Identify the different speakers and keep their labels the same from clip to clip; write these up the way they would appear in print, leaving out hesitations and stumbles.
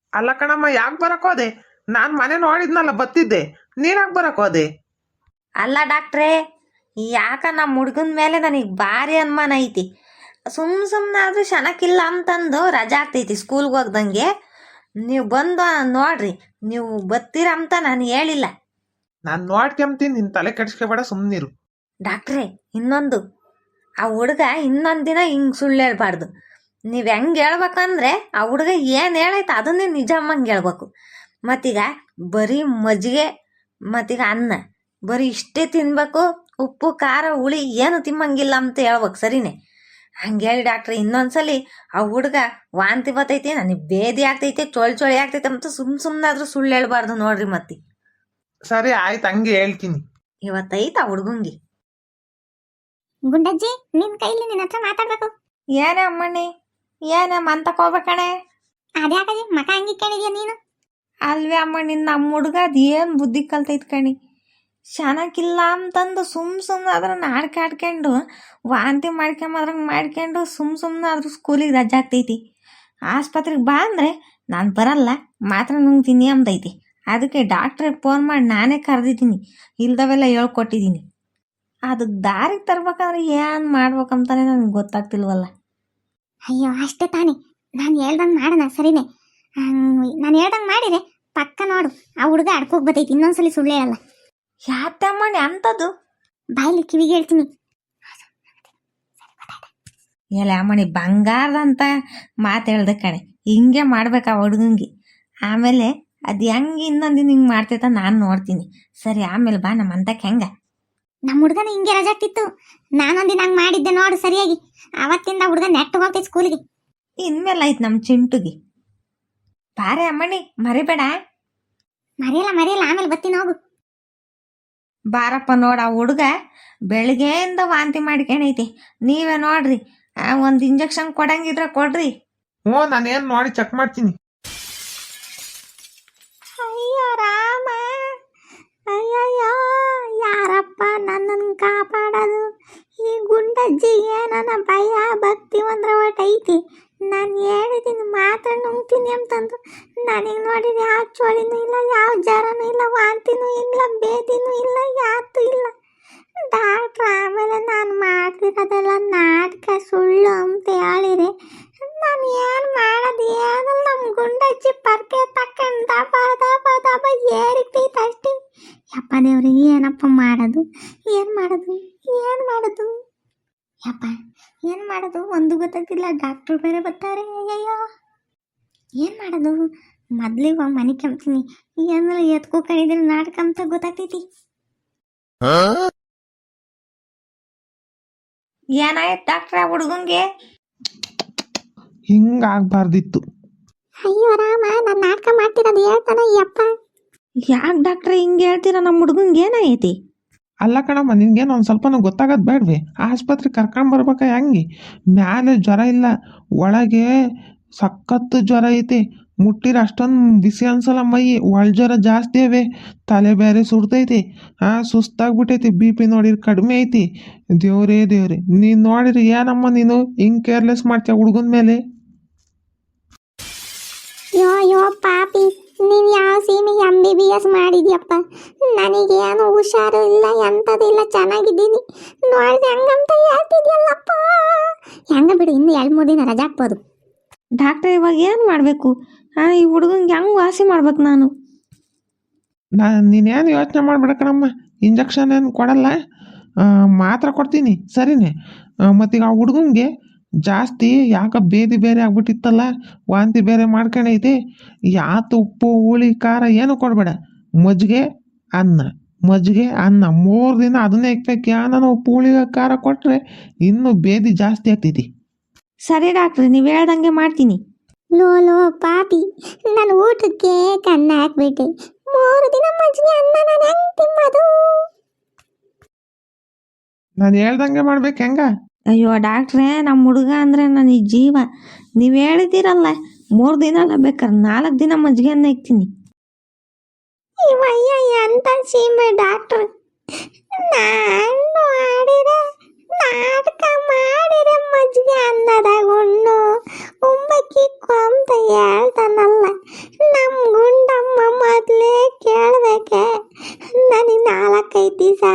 Speaker 1: ಅಲ್ಲ ಕಣಮ್ಮ, ಯಾಕೆ ಬರಕ್ ಹೋದೆ? ನಾನು ಮನೆ ನೋಡಿದ್ನಲ್ಲ, ಬತ್ತಿದ್ದೆ. ನೀನಾಕ್ ಬರಕ್ ಹೋದೆ?
Speaker 2: ಅಲ್ಲ ಡಾಕ್ಟ್ರೇ, ಯಾಕ ನಮ್ಮ ಹುಡ್ಗನ ಮೇಲೆ ನನಗೆ ಭಾರಿ ಅನುಮಾನ ಐತಿ. ಸುಮ್ಮನಾದ್ರೂ ಶನಕ್ಕಿಲ್ಲ ಅಂತಂದು ರಜಾ ಆಗ್ತೈತಿ ಸ್ಕೂಲ್ಗೆ ಹೋಗ್ದಂಗೆ. ನೀವು ಬಂದು ನೋಡ್ರಿ, ನೀವು ಬತ್ತೀರ ಅಂತ ನಾನು ಹೇಳಿಲ್ಲ.
Speaker 1: ನಾನು ನೋಡ್ಕೊಂತೀನಿ, ನಿನ್ ತಲೆ ಕೆಡ್ಸ್ಕೊಬೇಡ, ಸುಮ್ಮನಿರು.
Speaker 2: ಡಾಕ್ಟ್ರೇ, ಇನ್ನೊಂದು, ಆ ಹುಡುಗ ಇನ್ನೊಂದು ದಿನ ಹಿಂಗೆ ಸುಳ್ಳು ಹೇಳ್ಬಾರ್ದು. ನೀವು ಹೆಂಗೆ ಹೇಳ್ಬೇಕಂದ್ರೆ ಆ ಹುಡುಗ ಏನು ಹೇಳೈತೆ ಅದನ್ನೇ ನಿಜಮ್ಮಂಗೆ ಹೇಳ್ಬೇಕು. ಮತ್ತೀಗ ಬರೀ ಮಜ್ಜಿಗೆ ಮತ್ತೀಗ ಅನ್ನ ಬರೀ ಇಷ್ಟೇ ತಿನ್ಬೇಕು, ಉಪ್ಪು ಖಾರ ಹುಳಿ ಏನು ತಿಮ್ಮಂಗಿಲ್ಲ ಅಂತ ಹೇಳ್ಬೇಕು, ಸರಿನೇ? ಹಂಗೆ ಹೇಳಿ ಡಾಕ್ಟ್ರೆ, ಇನ್ನೊಂದ್ಸಲಿ ಆ ಹುಡುಗ ವಾಂತಿ ಬರ್ತೈತಿ, ನನಗೆ ಬೇದಿ ಆಗ್ತೈತೆ, ಚೊಳಿ ಆಗ್ತೈತೆ ಅಂತ ಸುಮ್ಮನಾದ್ರೂ ಸುಳ್ಳು ಹೇಳ್ಬಾರ್ದು ನೋಡ್ರಿ. ಮತ್ತೆ
Speaker 1: ಸರಿ ಆಯ್ತು, ಹಂಗೆ ಹೇಳ್ತೀನಿ.
Speaker 2: ಇವತ್ತೈತ ಆ ಹುಡುಗಂಗೆ.
Speaker 3: ಗುಂಡಜ್ಜಿ, ನಿನ್ ಕೈಲಿ ನಿನ್ನ ಹತ್ರ ಮಾತಾಡ್ಬೇಕು.
Speaker 2: ಏನೇ ಅಮ್ಮಣ್ಣಿ, ಏನೇ ಮಂತಕ್ಕೆ ಹೋಗ್ಬೇಕಣೆ?
Speaker 3: ಅದ್ಯಾಕಜಿ ಮಕ ಹಂಗಿ ಕೇಳಿದ್ಯಾ ನೀನು?
Speaker 2: ಅಲ್ವೇ ಅಮ್ಮಣ್ಣಿ, ನಮ್ಮ ಹುಡುಗ ಅದು ಏನು ಬುದ್ಧಿ ಕಲ್ತೈತ್ ಕಣಿ. ಚೆನ್ನಾಗಿಲ್ಲ ಅಂತಂದು ಸುಮ್ಮನೆ ಅದನ್ನ ಆಡ್ಕೊಂಡು ವಾಂತಿ ಮಾಡ್ಕೊಂಡು ಸುಮ್ಮನೆ ಆದ್ರೂ ಸ್ಕೂಲಿಗೆ ರಜೆ ಆಗ್ತೈತಿ. ಆಸ್ಪತ್ರೆಗೆ ಬಾ ಅಂದರೆ ನಾನು ಬರಲ್ಲ, ಮಾತ್ರ ನುಂಗ್ತೀನಿ ಅಂದೈತಿ. ಅದಕ್ಕೆ ಡಾಕ್ಟ್ರಿಗೆ ಫೋನ್ ಮಾಡಿ ನಾನೇ ಕರೆದಿದ್ದೀನಿ, ಇಲ್ದವೆಲ್ಲ ಹೇಳ್ಕೊಟ್ಟಿದ್ದೀನಿ. ಅದಕ್ಕೆ ದಾರಿಗೆ ತರ್ಬೇಕಂದ್ರೆ ಏನು ಮಾಡ್ಬೇಕಂತಾನೆ ನನಗೆ ಗೊತ್ತಾಗ್ತಿಲ್ವಲ್ಲ.
Speaker 3: ಅಯ್ಯೋ ಅಷ್ಟೇ ತಾನೇ, ನಾನು ಹೇಳ್ದಂಗೆ ಮಾಡೋಣ, ಸರಿನೇ? ನಾನು ಹೇಳ್ದಂಗೆ ಮಾಡಿದೆ ಪಕ್ಕ ನೋಡು, ಆ ಹುಡುಗ ಅಡ್ಕೋಗಿ ಬರ್ತೈತಿ, ಇನ್ನೊಂದ್ಸಲಿ ಸುಳ್ಳು ಹೇಳಲ್ಲ.
Speaker 2: ಯಾತಮ್ಮಣ್ಣಿ ಅಂಥದ್ದು?
Speaker 3: ಬಾಯ್ಲಿ ಕಿವಿಗೆ ಹೇಳ್ತೀನಿ.
Speaker 2: ಎಲ್ಲ ಅಮ್ಮಣ್ಣಿ ಬಂಗಾರದಂತ ಮಾತು ಹೇಳ್ದೆ ಕಣೆ, ಹಿಂಗೆ ಮಾಡ್ಬೇಕು ಆ ಹುಡುಗಂಗೆ. ಆಮೇಲೆ ಅದು ಹೆಂಗೆ ಇನ್ನೊಂದಿನ ಹಿಂಗೆ ಮಾಡ್ತೈತ ನಾನು ನೋಡ್ತೀನಿ. ಸರಿ, ಆಮೇಲೆ ಬಾ ನಮ್ಮ ಅಂತಕ್ಕೆ. ಹೆಂಗೆ
Speaker 3: ನಮ್ಮ ಹುಡುಗನ ಹಿಂಗೆ ರಜೆ ಆಗ್ತಿತ್ತು, ನಾನೊಂದಿನ ಹಂಗೆ ಮಾಡಿದ್ದೆ ನೋಡು ಸರಿಯಾಗಿ. ಅವತ್ತಿಂದ ಹುಡುಗ ನೆಟ್ಟು ಹೋಗ್ತೈತೆ ಸ್ಕೂಲಿಗೆ.
Speaker 2: ಇನ್ಮೇಲೆ ಆಯ್ತು ನಮ್ಮ ಚಿಂಟುಗೆ. ಬಾರೆ ಅಮ್ಮಣ್ಣಿ, ಮರಿಬೇಡ.
Speaker 3: ಮರೆಯಲ್ಲ, ಆಮೇಲೆ ಬರ್ತೀನಿ, ಹೋಗು.
Speaker 2: ಬಾರಪ್ಪ, ನೋಡ ಆ ಹುಡುಗ ಬೆಳಿಗ್ಗೆಯಿಂದ ವಾಂತಿ ಮಾಡ್ಕೊಂಡೈತಿ. ನೀವೇ ನೋಡ್ರಿ, ಒಂದು ಇಂಜೆಕ್ಷನ್ ಕೊಡಂಗಿದ್ರೆ ಕೊಡ್ರಿ.
Speaker 1: ಹ್ಞೂ, ನಾನೇನು ನೋಡಿ ಚೆಕ್ ಮಾಡ್ತೀನಿ.
Speaker 3: ಅಯ್ಯೋ ರಾಮ, ಅಯ್ಯಯ್ಯೋ, ಯಾರಪ್ಪ ನನ್ನನ್ನು ಕಾಪಾಡೋದು? ಈ ಗುಂಡಜ್ಜಿಗೆ ನನ್ನ ಭಯ ಭಕ್ತಿ ಒಂದ್ರ ಒಟ್ಟೈತಿ. ನಾನು ಹೇಳಿದ್ದೀನಿ ಮಾತ್ರ ನುಂಗ್ತೀನಿ ಅಂತಂದು, ನನಗೆ ನೋಡಿದ್ರೆ ಯಾವ ಚೋಳಿನೂ ಇಲ್ಲ, ಯಾವ ಜ್ವರನೂ ಇಲ್ಲ, ವಾಂತಿನೂ ಇಲ್ಲ, ಬೇದಿನೂ ಇಲ್ಲ, ಯಾತು ಇಲ್ಲ. ಡಾಕ್ಟ್ರ್ ಆಮೇಲೆ ನಾನು ಮಾಡ್ತಿರೋದೆಲ್ಲ ನಾಟಕ, ಸುಳ್ಳು ಅಂತ ಹೇಳಿದೆ. ನಾನು ಏನು ಮಾಡೋದು? ಏನು ನಮ್ಮ ಗುಂಡಜ್ಜಿ ಪರ್ಕೆ ತಕ್ಕಂಡು ದಬ ಏರಿತೈತೆ ಅಷ್ಟೇ. ಯಪ್ಪ ದೇವ್ರಿಗೆ, ಏನಪ್ಪ ಮಾಡೋದು? ಏನು ಮಾಡೋದು? ಯಪ್ಪ ಏನು ಮಾಡೋದು ಒಂದು ಗೊತ್ತಾಗ್ತಿಲ್ಲ. ಡಾಕ್ಟ್ರು ಬೇರೆ ಬರ್ತಾರೆ. ಅಯ್ಯಯ್ಯೋ, ಏನು ಮಾಡೋದು? ಮೊದ್ಲಿಗೆ ಮನೆ ಕೆಮ್ತೀನಿ, ಏನೆಲ್ಲ ಎತ್ಕೋ ಕಣಿದ್ರೆ ನಾಟಕ ಅಂತ ಗೊತ್ತಾಗ್ತೈತಿ.
Speaker 2: ಏನಾಯ್ತು ಡಾಕ್ಟ್ರ ಹುಡುಗಂಗೆ?
Speaker 1: ಹಿಂಗಾಗ್ಬಾರ್ದಿತ್ತು.
Speaker 3: ಅಯ್ಯೋ ರಾಮ, ನಾನು ನಾಟಕ ಮಾಡ್ತಿರೋದು ಹೇಳ್ತಾನ ಯಪ್ಪ.
Speaker 2: ಯಾಕೆ ಡಾಕ್ಟ್ರ ಹಿಂಗೆ ಹೇಳ್ತೀರಾ? ನಮ್ಮ ಹುಡುಗಂಗೆ ಏನಾಯ್ತಿ?
Speaker 1: ಅಲ್ಲ ಕಣಮ್ಮ, ನಿನ್ಗೇನು ಒಂದು ಸ್ವಲ್ಪನೂ ಗೊತ್ತಾಗೋದು ಬೇಡವೆ? ಆಸ್ಪತ್ರೆಗೆ ಕರ್ಕೊಂಡು ಬರ್ಬೇಕಾ? ಹೆಂಗೆ? ಮ್ಯಾಲೆ ಜ್ವರ ಇಲ್ಲ, ಒಳಗೆ ಸಖತ್ತು ಜ್ವರ ಐತಿ. ಮುಟ್ಟಿರ ಅಷ್ಟೊಂದು ಬಿಸಿ ಅನ್ಸಲ್ಲ ಮೈ, ಒಳ ಜ್ವರ ಜಾಸ್ತಿ ಅವೆ. ತಲೆ ಬೇರೆ ಸುಡ್ತೈತಿ, ಸುಸ್ತಾಗ್ಬಿಟ್ಟೈತಿ. BP ನೋಡಿರಿ ಕಡಿಮೆ ಐತಿ. ದೇವ್ರೇ, ನೀನು ನೋಡಿರಿ ಏನಮ್ಮ ನೀನು ಹಿಂಗೆ ಕೇರ್ಲೆಸ್ ಮಾಡ್ತೀಯ ಹುಡುಗನ ಮೇಲೆ?
Speaker 3: ಯೋ ಪಾಪಿ, ನೀನು ಯಾವ ಸೀಮೆಗೆ MBBS ಮಾಡಿದ್ಯಪ್ಪ? ನನಗೇನು ಹುಷಾರು ಇಲ್ಲ, ಎಂಥದಿಲ್ಲ, ಚೆನ್ನಾಗಿದ್ದೀನಿ. ನೋಡಿದೆ ಹಂಗಂತ ಹೇಳ್ತಿದ್ಯಲ್ಲಪ್ಪ. ಹೆಂಗ ಬಿಡು, ಇನ್ನು 2-3 ದಿನ ರಜೆ ಹಾಕ್ಬೋದು.
Speaker 2: ಡಾಕ್ಟ್ರ ಇವಾಗ ಏನು ಮಾಡಬೇಕು? ಈ ಹುಡುಗಂಗೆ ಹೆಂಗೆ ವಾಸಿ ಮಾಡ್ಬೇಕು ನಾನು?
Speaker 1: ನೀನೇನು ಯೋಚನೆ ಮಾಡ್ಬೇಡ ಕಣಮ್ಮ, ಇಂಜೆಕ್ಷನ್ ಏನು ಕೊಡಲ್ಲ, ಮಾತ್ರ ಕೊಡ್ತೀನಿ, ಸರಿನೇ? ಮತ್ತೀಗ ಆ ಹುಡುಗಂಗೆ ಜಾಸ್ತಿ ಯಾಕೆ ಬೇದಿ ಬೇರೆ ಆಗ್ಬಿಟ್ಟಿತ್ತಲ್ಲ, ವಾಂತಿ ಬೇರೆ ಮಾಡ್ಕೊಂಡೈತಿ. ಯಾತು ಉಪ್ಪು ಹುಳಿ ಖಾರ ಏನು ಕೊಡಬೇಡ, ಮಜ್ಜಿಗೆ ಅನ್ನ 3 ದಿನ ಅದನ್ನೇ ಇಕ್ಬೇಕು. ನಾನು ಉಪ್ಪು ಹುಳಿ ಖಾರ ಕೊಟ್ಟರೆ ಇನ್ನೂ ಬೇದಿ ಜಾಸ್ತಿ ಆಗ್ತೈತಿ.
Speaker 2: ಸರಿ ಡಾಕ್ಟ್ರಿ, ನೀವು ಹೇಳ್ದಂಗೆ ಮಾಡ್ತೀನಿ.
Speaker 3: ಲೋ ಪಾಪಿ, ನಾನು ಊಟಕ್ಕೆ ಕನ್ನ ಹಾಕ್ಬಿಟ್ಟೆ. 3 ದಿನ ಮಜ್ಜಿಗೆ ಅನ್ನ ನಾನು ಹೆಂಗೆ ತಿನ್ನೋದು?
Speaker 1: ನಾನು ಹೇಳ್ದಂಗೆ ಮಾಡ್ಬೇಕು. ಹೆಂಗ?
Speaker 2: ಅಯ್ಯೋ ಡಾಕ್ಟ್ರೇ, ನಮ್ಮ ಹುಡುಗ ಅಂದರೆ ನನಗೆ ಜೀವ. ನೀವು ಹೇಳಿದ್ದೀರಲ್ಲ 3 ದಿನ ಅಲ್ಲ, ಬೇಕಾದ್ರೆ 4 ದಿನ ಮಜ್ಜಿಗೆನ್ನ ಇಕ್ತೀನಿ.
Speaker 3: ಇವಯ್ಯ ಎಂತ ಸೀಮೆ ಡಾಕ್ಟ್ರ್. ನಾನು ಆಡಿದೆ ನಾಟಕ ಮಾಡಿದೆ, ಮಜ್ಜಿಗೆ ಅನ್ನದಾಗ ಉಣ್ಣು ಉಂಬಕ್ಕಿಕ್ಕು ಅಂತ ಹೇಳ್ತಾನಲ್ಲ.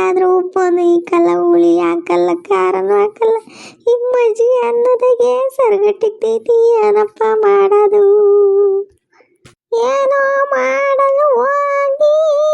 Speaker 3: ಆದ್ರೂ ಉಪ್ಪೊಂದು ಇಕ್ಕಲ್ಲ, ಹುಳಿ ಹಾಕಲ್ಲ, ಖಾರನೂ ಹಾಕಲ್ಲ. ಈಗ ಮಜ್ಜಿಗೆ ಅನ್ನೋದಾಗೆ ಸರ್ಗಟ್ಟಿಗ್ತೈತಿ. ಏನಪ್ಪ ಮಾಡೋದು? ಏನೋ ಮಾಡಲು ಹೋಗಿ